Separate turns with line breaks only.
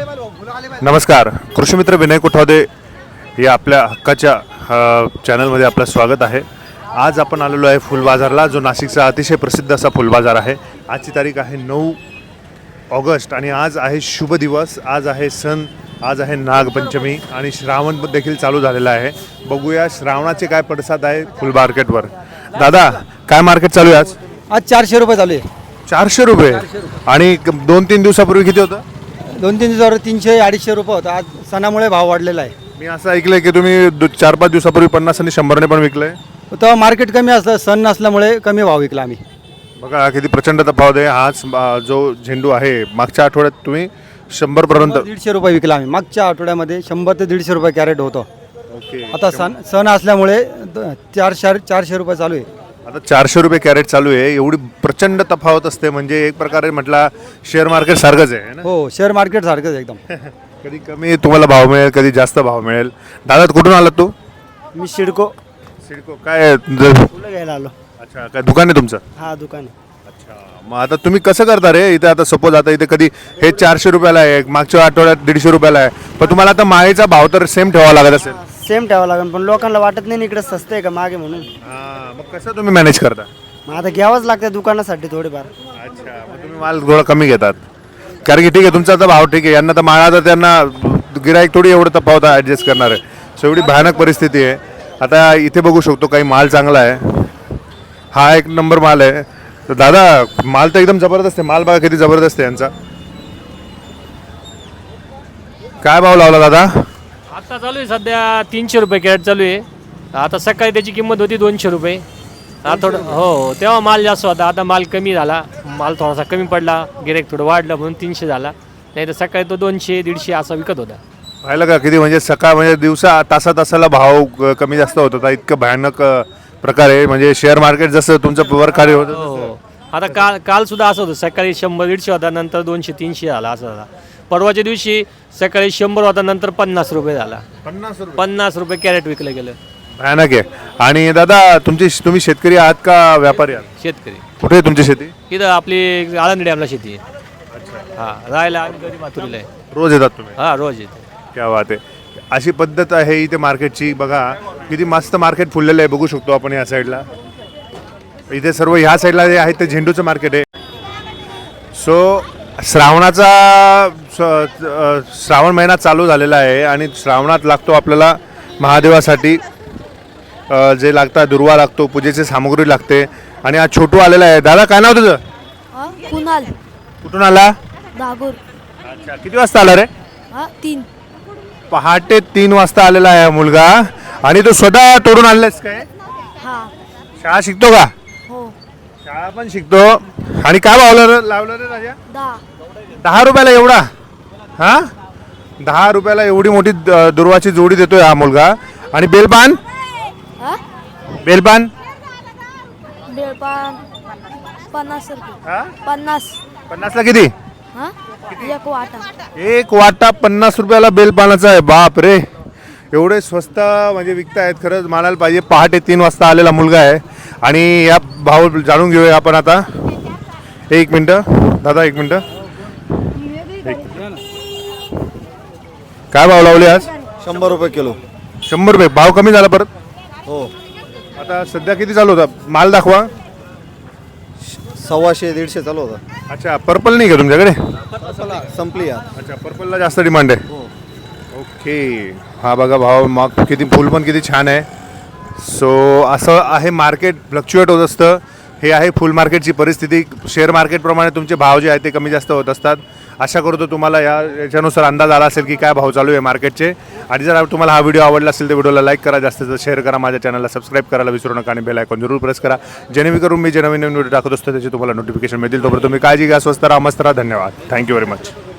नमस्कार, कृषी मित्र विनय कोठावदे या आपल्या हक्काच्या चॅनलमध्ये आपलं स्वागत आहे। आज आपण आलेलो आहे फुल बाजारला, जो नाशिकचा अतिशय प्रसिद्ध असा फुल बाजार आहे। आजची तारीख आहे 9 ऑगस्ट आणि आज आहे शुभ दिवस, आज आहे सण, आज आहे नागपंचमी आणि श्रावण देखील चालू झालेला आहे। बघूया श्रावणाचे काय पडसाद आहे फुल मार्केटवर। दादा, काय मार्केट चालू आहे आज?
आज 400 रुपये चालू आहे।
400 रुपये आणि 2-3 दिवसापूर्वी किती होतं?
2-3 दिवसावर 300-250 रुपये होता। आज सणामुळे भाव वाढलेला आहे।
मी असं ऐकलंय की तुम्ही 4-5 दिवसापूर्वी 50 आणि 100 ने पण विकलंय।
तेव्हा मार्केट कमी असतं, सण नसल्यामुळे कमी भाव विकला आम्ही।
बघा किती प्रचंड तफावत आहे। हाच जो झेंडू आहे मागच्या आठवड्यात तुम्ही 100 पर्यंत
150 रुपये विकला आम्ही। मागच्या आठवड्यामध्ये 100 ते 150 रुपये कॅरेट होतं।
ओके,
आता सण असल्यामुळे 400 रुपये चालू आहे।
आता 400 रुपये कॅरेट चालू आहे। एवढी प्रचंड तफावत असते म्हणजे एक प्रकारे म्हटला शेअर मार्केट सारखंच आहे ना?
हो, शेअर मार्केट सारखंच एकदम।
कधी कमी तुम्हाला भाव मिळेल, कधी जास्त भाव मिळेल। दादा, कुठून आलात तू?
मी सिडको
काय
फुलं घ्यायला आलो।
अच्छा, काय दुकान आहे तुमचं?
हा, दुकान आहे।
अच्छा, मग आता तुम्ही कसं करता रे इथे? आता सपोज आता इथे कधी हे 400 रुपयाला आहे, मागच्या आठवड्यात 150 रुपयाला आहे, पण तुम्हाला आता माळेचा भाव तर सेम ठेवावा लागत असेल।
सेम ठेवावं लागेल, पण लोकांना वाटत नाही इकडे स्वस्त आहे का मागे म्हणून।
मग कसं तुम्ही मॅनेज करता?
मग आता घ्यावंच लागतं दुकानासाठी थोडेफार।
अच्छा, मग तुम्ही माल थोडा कमी घेतात कारण की ठीक आहे तुमचा तर भाव ठीक आहे, यांना तर माळा तर त्यांना गिराईक थोडी एवढं तफावत ॲडजस्ट करणार आहे। सो एवढी भयानक परिस्थिती आहे। आता इथे बघू शकतो काही माल चांगला आहे, हा एक नंबर माल आहे। तर दादा, माल तर एकदम जबरदस्त आहे। माल बघा किती जबरदस्त आहे यांचा। काय भाव लावला दादा?
आता चालू आहे सध्या 300 रुपये कॅरेट चालू आहे। आता सकाळी त्याची किंमत होती 200 रुपये। आता थोडं हो, तेव्हा माल जास्त होता, आता माल कमी झाला, माल थोडासा कमी पडला, गिऱ्हाईक थोडं वाढलं म्हणून 300 झाला, नाही तर सकाळी तो 200-150 असा विकत होता।
पाहिलं का किती म्हणजे सकाळ म्हणजे दिवसा तासाला भाव कमी जास्त होत होता। इतकं भयानक प्रकार आहे म्हणजे शेअर मार्केट जसं तुमचं वर खाली होतं
हो, आता काल सुद्धा असं होतं, सकाळी 100-150 होता, नंतर 200-300 झाला असं झाला। परवाच्या दिवशी सकाळी 100 होता, नंतर 50 रुपये झाला। 50 रुपये कॅरेट विकलं गेलं।
भयानक आहे। आणि दादा, तुम्ही शेतकरी आहात का व्यापारी आहात?
शेतकरी।
कुठे आहे तुमची शेती?
इथं आपली आळंदी डॅमला शेती आहे। हां, राहायला आम्ही गडी माथुरीला आहे।
रोज येतात तुम्ही?
हां, रोज येते।
क्या बात आहे। अशी पद्धत आहे इथे मार्केटची। बघा किती मस्त मार्केट फुललेलं आहे, बघू शकतो आपण या साईडला। इथे सर्व ह्या साईडला जे आहे ते झेंडूचं मार्केट आहे। सो श्रावण महिना चालू झालेला आहे आणि श्रावणात लागतो आपल्याला महादेवासाठी जे लागतात, दुर्वा लागतो, पूजेची सामग्री लागते। आणि आज छोटू आलेला आहे। दादा, काय नाव तुझं?
कुणाल
कुठून आला?
दागूर।
अच्छा, किती वाजता आला रे?
3
पहाटे 3 वाजता आलेला आहे मुलगा। आणि तो स्वतः तोडून आणलास काय?
हा।
शाळा शिकतो का?
हो।
शाळा पण शिकतो। आणि काय भाव लावलं रे राजा? 10 रुपयाला एवढा? हा, 10 रुपयाला एवढी मोठी दुर्वाची जोडी देतोय हा मुलगा। आणि बेलपान? बेलपान
50 रुपये।
हा?
50
ला किती?
एक वाटा।
एक वाटा 50 रुपयाला बेलपानाचा आहे। बाप रे, एवढे स्वस्त म्हणजे विकतायत, खरंच मानायला पाहिजे। पहाटे 3 वाजता आलेला मुलगा आहे आणि या भाव जाणून घेऊया आपण आता। एक मिनटं दादा, एक मिनटं। काय भाव लावले आज?
100 रुपये किलो।
100 रुपये भाव कमी झाला परत?
हो।
आता सध्या किती चालू होता? माल दाखवा।
150-150 चालू होता।
अच्छा, पर्पल नाही का तुमच्याकडे?
संपली।
अच्छा, पर्पलला जास्त डिमांड आहे। ओके, हा बघा भाव, मग किती फुल पण किती छान आहे। सो असं आहे मार्केट, फ्लक्च्युएट होत असतं। हे आहे फुल मार्केटची परिस्थिती। शेअर मार्केटप्रमाणे तुमचे भाव जे आहेत ते कमी जास्त होत असतात। आशा करतो तुम्हाला याच्यानुसार अंदाज आला असेल की काय भाव चालू आहे मार्केटचे। आणि जर तुम्हाला हा व्हिडिओ आवडला असेल तर व्हिडिओला लाईक करा, जास्तीत जास्त शेअर करा, माझ्या चॅनलला सबस्क्राईब करायला विसरू नका आणि बेल आयकॉन जरूर प्रेस करा, जेणेकरून मी जे नवीन व्हिडिओ टाकत असतो त्याचे तुम्हाला नोटिफिकेशन मिळतील। तोपर्यंत तुम्ही काळजी घ्या, स्वस्त राहा, मस्त राहा। धन्यवाद, थँक्यू व्हेरी मच।